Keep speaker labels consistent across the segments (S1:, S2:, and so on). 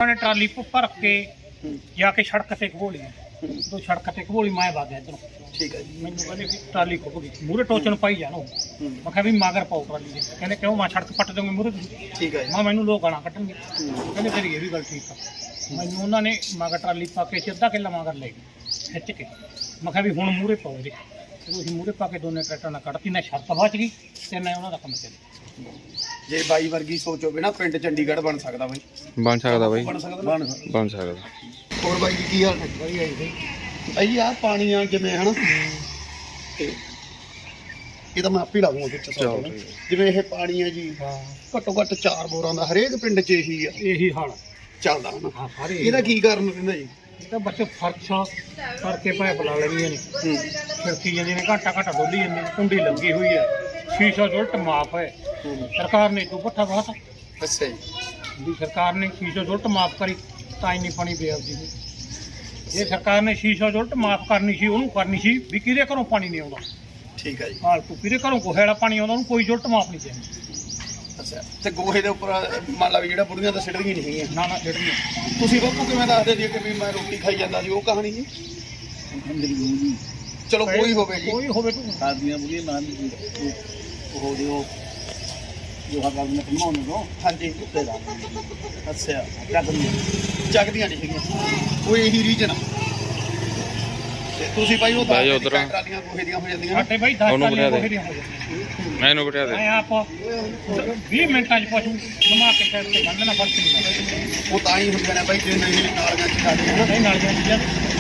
S1: उन्होंने ट्राली भर के जाके सड़क से घबोली तो सड़क से घबोली मैं भाग गया इधरों।
S2: ठीक है जी।
S1: मैंने कहते भी ट्राली खुब गई मूहरे टोचन पाई जानो मैं कहा भी मगर पाओ ट्राली के कहते क्यों मैं सड़क पट दूंगी मूहरे
S2: ठीक है
S1: मैं मैनू लोग गाना कट्टणगे कहते तेरी ये भी गल ठीक है मैनू उन्होंने मगर ट्राली पा के अद्धा किला मगर ले गए खिच के मैं कहा भी हुण मूहरे पाओ जी ਤੁਸੀਂ ਮੂਹਰੇ ਪਾ ਕੇ ਦੋਨੇ ਟਰੈਕਟਰਾਂ ਨਾਲ ਕੱਢਤੀ ਨਾ ਸ਼ਰਤ ਬਚ ਗਈ ਤੇ ਨਾ ਉਹਨਾਂ ਦਾ ਕੰਮ ਚੱਲਿਆ।
S2: ਜੇ ਬਾਈ ਵਰਗੀ ਸੋਚ ਹੋਵੇ ਨਾ ਪਿੰਡ ਚੰਡੀਗੜ੍ਹ ਬਣ ਸਕਦਾ ਬਾਈ।
S3: ਬਣ ਸਕਦਾ ਬਾਈ,
S2: ਬਣ
S3: ਸਕਦਾ।
S2: ਹੋਰ ਬਾਈ ਜੀ ਕੀ ਹਾਲ ਹੈ?
S1: ਵਧੀਆ ਜੀ
S2: ਬਾਈ ਆਹ ਪਾਣੀ ਆ ਜਿਵੇਂ ਹਨਾ ਤੇ ਇਹ ਤਾਂ ਮੈਂ ਆਪੇ ਲਾਉਂਗਾ ਵਿੱਚ ਸਾਰਾ ਜਿਵੇਂ ਇਹ ਪਾਣੀ ਆ ਜੀ ਘੱਟੋ ਘੱਟ 4 ਬੋਰਾਂ ਦਾ ਹਰੇਕ ਪਿੰਡ 'ਚ ਇਹੀ
S1: ਹਾਲ
S2: ਚੱਲਦਾ ਹਨਾ।
S1: ਹਾਂ ਸਾਰੇ
S2: ਇਹਦਾ ਕੀ ਕਾਰਨ ਰਹਿੰਦਾ ਜੀ?
S1: ਇਹ ਤਾਂ ਬੱਚੇ ਫਰਸ਼ ਕਰਕੇ ਪਾਇਪ ਲਾ ਲੈਂਦੀਆਂ ਨੇ ਖਿੜਕੀ ਜਾਂਦੀਆਂ ਨੇ ਘਾਟਾ ਡੋਲੀ ਜਾਂਦੀ ਕੁੰਡੀ ਲੱਗੀ ਹੋਈ ਹੈ ਸ਼ੀਸ਼ਾ ਉਲਟ ਮਾਫ ਹੈ ਸਰਕਾਰ ਨੇ ਤੂੰ ਪੱਠਾ ਬਹੁਤ
S2: ਅੱਛਾ ਜੀ।
S1: ਵੀ ਸਰਕਾਰ ਨੇ ਸ਼ੀਸ਼ਾ ਉਲਟ ਮਾਫ ਕਰੀ ਤਾਂ ਇੰਨੀ ਪਾਣੀ ਬੇਅਬਦੀ ਸੀ ਜੇ ਸਰਕਾਰ ਨੇ ਸ਼ੀਸ਼ਾ ਉਲਟ ਮਾਫ ਕਰਨੀ ਸੀ ਉਹਨੂੰ ਕਰਨੀ ਸੀ ਵੀ ਕਿਹਦੇ ਘਰੋਂ ਪਾਣੀ ਨਹੀਂ ਆਉਂਦਾ।
S2: ਠੀਕ ਹੈ ਜੀ।
S1: ਫਾਲਤੂ ਕਿਹਦੇ ਘਰੋਂ ਗੋਹੇ ਵਾਲਾ ਪਾਣੀ ਆਉਂਦਾ ਉਹਨੂੰ ਕੋਈ ਉਲਟ ਮਾਫ ਨਹੀਂ ਚਾਹੀਦੀ।
S2: ਅੱਛਾ ਤੇ ਗੋਹੇ ਦੇ ਉੱਪਰ ਮੰਨ ਲਾ ਵੀ ਜਿਹੜਾ ਬੁੜੀਆਂ ਤਾਂ ਸਿੱਟਦੀਆਂ ਨਹੀਂ ਹੈਗੀਆਂ
S1: ਨਾ ਜਿਹੜੀ
S2: ਤੁਸੀਂ ਬਾਪੂ ਕਿਵੇਂ ਦੱਸਦੇ ਸੀ ਕਿ ਵੀ ਮੈਂ ਰੋਟੀ ਖਾਈ ਜਾਂਦਾ ਸੀ ਉਹ ਕਹਾਣੀ ਜੀ? ਚਲੋ ਕੋਈ ਹੋਵੇ ਜੀ
S1: ਕੋਈ ਹੋਵੇ ਤੂੰ
S4: ਸਾਡੀਆਂ ਬੁੜੀਆਂ ਨਾਂ ਦੀ ਉਹ ਦਿਓ ਜੋ ਹੱਥਾਂ ਨਾਲ ਕਮਾਉਣ ਨੂੰ
S2: ਹਾਂਜੀ
S4: ਉੱਤੇ ਦਾ
S2: ਅੱਛਾ
S4: ਚੱਕਦੀਆਂ
S2: ਜਗਦੀਆਂ ਨਹੀਂ ਹੈਗੀਆਂ ਉਹ ਇਹੀ ਰੀਜਨ ਤੇ ਤੁਸੀਂ ਭਾਈ ਉਹ
S3: ਬਾਈ ਉੱਧਰ
S2: ਟਰਾਲੀਆਂ ਗੋਹੇ ਦੀਆਂ ਹੋ ਜਾਂਦੀਆਂ
S1: ਸਾਡੇ ਬਾਈ 10
S3: ਉਹਨੂੰ
S1: ਟਰਾਲੀਆਂ
S3: ਬਣਾ ਦੇ।
S1: ਗੋਹੇ ਦੀਆਂ ਹੋ ਜਾਂਦੀਆਂ
S3: ਮੈਨੂੰ ਬਿਠਾ ਦੇ।
S1: ਮੈਂ ਆਪ 20 ਮਿੰਟਾਂ 'ਚ ਪਸ਼ੂ ਨਮਾ ਕੇ ਸਾਈਡ ਤੇ ਬੰਨ੍ਹਣਾ ਫਰਕ ਨਹੀਂ
S2: ਉਹ ਤਾਂ ਹੀ ਹੁੰਦੇ ਨੇ ਬਾਈ ਜੇ ਨਹੀਂ ਨਾਲੀਆਂ ਚ ਜਾਂਦੀਆਂ ਨਾ।
S1: ਨਹੀਂ ਨਾਲ ਜਾਂਦੀ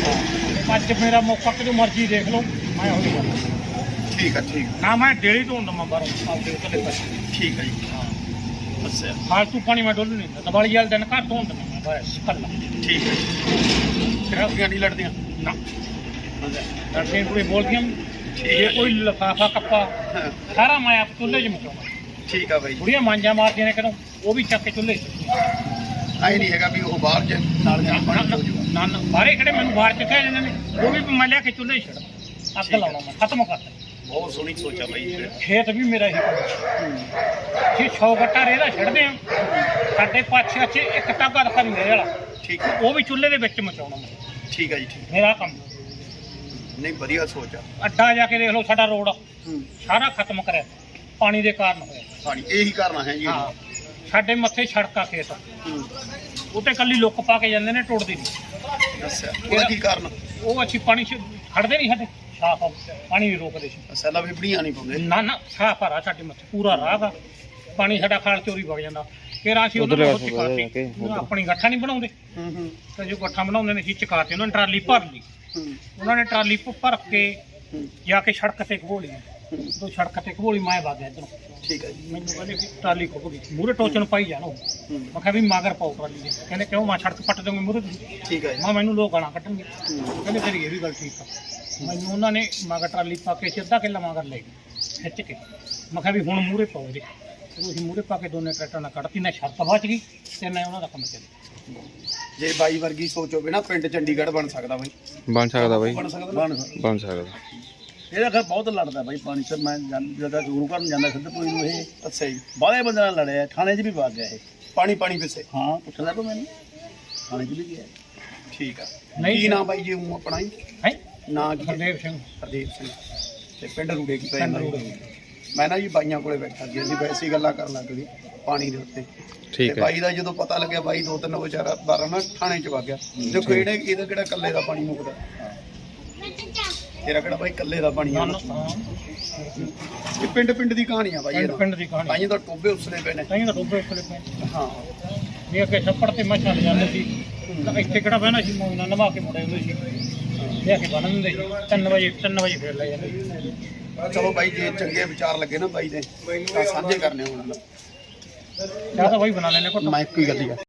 S1: ਆ ਅੱਜ ਮੇਰਾ ਮੌਕਾ ਕਿਦੋਂ ਮਰਜ਼ੀ ਦੇਖ ਲਓ ਮੈਂ ਹੋ ਜਾਊਗਾ
S2: ਠੀਕ ਹੈ ਠੀਕ
S1: ਨਾ ਮੈਂ ਡੇਲੀ ਤੋਂ ਹੁੰਦਾ ਮੈਂ ਬਾਹਰੋਂ ਆਪਦੇ ਉੱਤੇ ਪਸ਼ੂ
S2: ਠੀਕ ਹੈ ਜੀ। ਅੱਛਾ
S1: ਫਾਲਤੂ ਪਾਣੀ ਮੈਂ ਡੋਲ ਨਹੀਂ ਦਿੰਦਾ ਦੀਵਾਲੀ ਵਾਲੇ ਦਿਨ ਘਰ ਤੋਂ ਹੁੰਦਾ ਮੈਂ ਬਸ ਕੱਲਾ
S2: ਠੀਕ ਹੈ ਜੀ। ਟਰਾਲੀਆਂ ਨਹੀਂ ਲੜਦੀਆਂ
S1: ਨਾ ਲੜਦੀਆਂ ਕੋਈ ਬੋਲਦੀਆਂ ਜੇ ਕੋਈ ਲਿਫਾਫਾ ਕੱਪਾ
S2: ਹਾਂ,
S1: ਸਾਰਾ ਮੈਂ ਆਪ ਚੁੱਲ੍ਹੇ 'ਚ ਮਚਾਉਣਾ
S2: ਠੀਕ ਆ ਬਾਈ।
S1: ਬੁੜੀਆਂ ਮਾਂਜਾ ਮਾਰਦੀਆਂ ਨੇ ਕਦੋਂ ਉਹ ਵੀ ਚੱਕ ਕੇ ਚੁੱਲ੍ਹੇ 'ਚ
S2: ਐ ਨਹੀਂ ਹੈਗਾ ਵੀ ਉਹ ਬਾਹਰ ਚ ਨਾਲੀਆਂ ਚ ਪਾਣੀ ਹੋ ਜਾਊਗਾ।
S1: ਨਾ ਬਾਹਰੇ ਖੜੇ ਮੈਨੂੰ ਬਾਹਰ ਚ ਕਹਿ ਜਾਂਦੇ ਨੇ ਉਹ ਵੀ ਮੈਂ ਲਿਆ ਕੇ ਚੁੱਲ੍ਹੇ 'ਚ ਛੱਡ ਅੱਗ ਲਾਉਣਾ ਮੈਂ ਖਤਮ ਕਰਤਾ।
S2: ਬਹੁਤ ਸੋਹਣੀ ਸੋਚ ਆ ਬਾਈ।
S1: ਖੇਤ ਵੀ ਮੇਰਾ ਹੀ ਕੰਮ ਜੇ 100 ਗੱਟਾ ਰੇਹਦਾ ਛੱਡਦੇ ਆ ਸਾਡੇ ਪਾਛੇ ਅੱਛੇ ਇੱਕ ਟਾਗਾ ਰੱਖਾ ਨਹੀਂ ਵਾਲਾ
S2: ਠੀਕ ਹੈ
S1: ਉਹ ਵੀ ਚੁੱਲ੍ਹੇ ਦੇ ਵਿੱਚ ਮਚਾਉਣਾ ਮੈਂ
S2: ਠੀਕ ਹੈ ਜੀ ਠੀਕ।
S1: ਮੇਰਾ ਕੰਮ
S2: ਨਹੀਂ ਵਧੀਆ ਸੋਚ ਆ।
S1: ਅੱਡਾ ਜਾ ਕੇ ਦੇਖ ਲਓ ਸਾਡਾ ਰੋਡ
S2: ਹੂੰ
S1: ਸਾਰਾ ਖਤਮ ਕਰਿਆ ਪਾਣੀ ਦੇ ਕਾਰਨ ਹੋਇਆ।
S2: ਪਾਣੀ ਇਹੀ ਕਰਨਾ ਹੈ ਜੀ।
S1: ਹਾਂ ਸਾਡੇ ਮੱਥੇ ਸੜਕਾਂ ਖੇਤ
S2: ਹੂੰ
S1: ਉੱਤੇ ਕੱਲੀ ਲੁੱਕ ਪਾ ਕੇ ਜਾਂਦੇ ਨੇ ਟੁੱਟਦੀ ਨਹੀਂ।
S2: ਅੱਛਾ ਉਹਦਾ ਕੀ ਕਾਰਨ?
S1: ਉਹ ਅੱਛੀ ਪਾਣੀ ਚ ਖੜਦੇ ਨਹੀਂ ਸਾਡੇ ਸਾਫ ਪਾਣੀ ਨਹੀਂ ਰੋਕਦੇ ਸੀ
S2: ਸੈਲਾ ਵਿਪੜੀਆਂ ਨਹੀਂ ਪਾਉਂਦੇ।
S1: ਨਾ ਸਾਫ ਆ ਸਾਡੇ ਮੱਥੇ ਪੂਰਾ ਰਾਹ ਗਾ ਪਾਣੀ ਸਾਡਾ ਖਾਲ ਚੋਰੀ ਵਗ ਜਾਂਦਾ ਫਿਰ ਅਸੀਂ ਉਹਨਾਂ ਨੂੰ ਚਕਾਤੀ ਆਪਣੀ ਗੱਠਾ ਨਹੀਂ ਬਣਾਉਂਦੇ
S2: ਹੂੰ
S1: ਤੇ ਜੋ ਗੱਠਾ ਬਣਾਉਂਦੇ ਨੇ ਅਸੀਂ ਚਕਾਤੇ ਉਹਨਾਂ ਨੇ ਟਰਾਲੀ ਭਰ ਲਈ
S2: ਹੂੰ
S1: ਉਹਨਾਂ ਨੇ ਟਰਾਲੀ ਭਰ ਕੇ
S2: ਹੂੰ
S1: ਜਾ ਕੇ ਸੜਕ ਤੇ ਘਬੋਲੀ ਤੋਂ ਸੜਕ ਤੇ ਘਬੋਲੀ ਮੈਂ ਵਗ ਗਿਆ ਇੱਧਰੋਂ।
S2: ਠੀਕ ਹੈ ਜੀ।
S1: ਮੈਨੂੰ ਕਹਿੰਦੇ ਵੀ ਟਰਾਲੀ ਖੁੱਬ ਗਈ ਮੂਹਰੇ ਟੋਚਨ ਪਾਈ ਜਾਣੋ ਮੈਂ ਕਿਹਾ ਵੀ ਮਗਰ ਪਾਓ ਟਰਾਲੀ ਦੇ ਕਹਿੰਦੇ ਕਿਉਂ ਮੈਂ ਸੜਕ ਪੱਟ ਦੂੰਗੀ ਮੂਹਰੇ
S2: ਠੀਕ ਹੈ ਜੀ।
S1: ਮੈਂ ਮੈਨੂੰ ਲੋਕ ਗਾਣਾ ਕੱਢਣਗੇ ਕਹਿੰਦੇ ਤੇਰੀ ਇਹ ਵੀ ਗੱਲ ਠੀਕ ਆ ਮੈਨੂੰ ਉਹਨਾਂ ਨੇ ਮਗਰ ਟਰਾਲੀ ਪਾ ਕੇ ਅੱਧਾ ਕਿਲਾ ਮਗਰ ਲੈ ਗਏ ਖਿੱਚ ਕੇ ਮੈਂ ਕਿਹਾ ਵੀ ਹੁਣ ਮੂਹਰੇ ਪਾਓ ਜੀ ਤੁਸੀਂ ਮੂਹਰੇ ਪਾ ਕੇ ਦੋਨੇ ਟਰੈਕਟਰਾਂ ਨਾਲ ਕੱਢਤੀ ਨਾ ਸ਼ਰਤ ਬਚ ਗਈ ਤੇ ਨਾ ਉਹਨਾਂ ਦਾ ਕੰਮ ਚੱਲਿਆ।
S2: ਜੇ ਬਾਈ ਵਰਗੀ ਸੋਚ ਹੋਵੇ ਨਾ ਪਿੰਡ ਚੰਡੀਗੜ੍ਹ ਬਣ ਸਕਦਾ ਬਾਈ।
S3: ਬਣ ਸਕਦਾ ਬਾਈ,
S2: ਬਣ ਸਕਦਾ
S3: ਬਣ ਸਕਦਾ।
S4: ਇਹਦਾ ਖੈਰ ਬਹੁਤ ਲੜਦਾ ਬਾਈ ਪਾਣੀ ਸਰ ਮੈਂ ਜਦੋਂ ਗੁਰੂ ਘਰ ਨੂੰ ਜਾਂਦਾ ਸਿੱਧਪੁਰੀ ਨੂੰ ਇਹ
S2: ਅੱਛਾ ਜੀ।
S4: ਬਾਹਲੇ ਬੰਦੇ ਨਾਲ ਲੜਿਆ ਥਾਣੇ 'ਚ ਵੀ ਵਗ ਗਿਆ ਇਹ।
S2: ਪਾਣੀ ਪਾਣੀ ਪਿੱਛੇ
S4: ਹਾਂ ਪੁੱਛਦਾ ਤੂੰ ਮੈਨੂੰ ਥਾਣੇ 'ਚ ਵੀ ਗਿਆ।
S2: ਠੀਕ ਆ।
S1: ਨਹੀਂ
S2: ਕੀ ਨਾਮ ਬਾਈ ਜੀ ਉਹ ਆਪਣਾ ਹੀ
S1: ਹੈ
S2: ਨਾਂ ਕੀ ਹੈ?
S1: ਹਰਦੇਵ ਸਿੰਘ
S2: ਹਰਦੀਪ ਸਿੰਘ ਤੇ ਪਿੰਡ ਰੂੜੇ ਕੀ
S1: ਪਿੰਡ
S2: ਪੈਂਦਾ
S1: ਰੂੜੇ।
S2: ਮੈਂ ਨਾ ਜੀ ਬਾਈਆਂ ਕੋਲੇ ਬੈਠਾ ਸੀ ਅਸੀਂ ਵੈਸੇ ਹੀ ਗੱਲਾਂ ਕਰਨ ਲੱਗ ਗਏ ਪਾਣੀ ਦੇ ਉੱਤੇ
S3: ਠੀਕ
S2: ਤੇ
S3: ਹੈ।
S2: ਬਾਈ ਦਾ ਜਦੋਂ ਪਤਾ ਲੱਗਿਆ ਬਾਈ 2-3 ਵਿਚਾਰਾ ਬਾਰਾਂ ਨਾ ਥਾਣੇ ਚ ਵਗ ਗਿਆ ਦੇਖੋ ਇਹਦਾ ਕਿਹੜਾ ਕੱਲੇ ਦਾ ਪਾਣੀ ਮੁੱਕਦਾ ਤੇਰਾ ਕਿਹੜਾ ਬਾਈ ਕੱਲੇ ਦਾ ਪਾਣੀ ਆ ਇਹ ਪਿੰਡ ਦੀ ਕਹਾਣੀ ਆ ਬਾਈ
S1: ਪਿੰਡ ਦੀ ਕਹਾਣੀ
S2: ਬਾਈਆਂ ਦਾ ਟੋਬੇ ਉਸਲੇ ਪਏ ਨੇ
S1: ਤਾਂ ਤਾਂ ਟੋਬੇ ਉੱਤੇ ਪਏ
S2: ਹਾਂ
S1: ਵੀ ਅੱਗੇ ਛੱਪੜ ਤੇ ਮੱਛਾਂ ਜਾਂਦੇ ਸੀ ਤਾਂ ਇੱਥੇ ਕਿਹੜਾ ਬਹਿਣਾ ਸੀ ਮੋਇਨਾ ਨਵਾ ਕੇ ਮੁੜੇ ਹੁੰਦੇ ਸੀ ਲਿਆ ਕੇ ਬੰਨ ਦਿੰਦੇ ਸੀ 3 ਵਜੇ ਫੇਰ ਲੈ ਜਾਂਦੇ ਸੀ।
S2: ਚਲੋ ਬਾਈ ਜੇ ਚੰਗੇ ਵਿਚਾਰ ਲੱਗੇ ਨਾ ਬਾਈ ਦੇ ਤਾਂ ਸਾਂਝੇ ਕਰਨੇ ਹੋਣ
S1: ਚਾਹ ਤਾਂ ਬਾਈ ਬਣਾ ਲੈਣੇ ਘੁੱਟ
S2: ਮੈਂ ਇੱਕੋ ਹੀ ਗੱਲ ਹੀ ਆ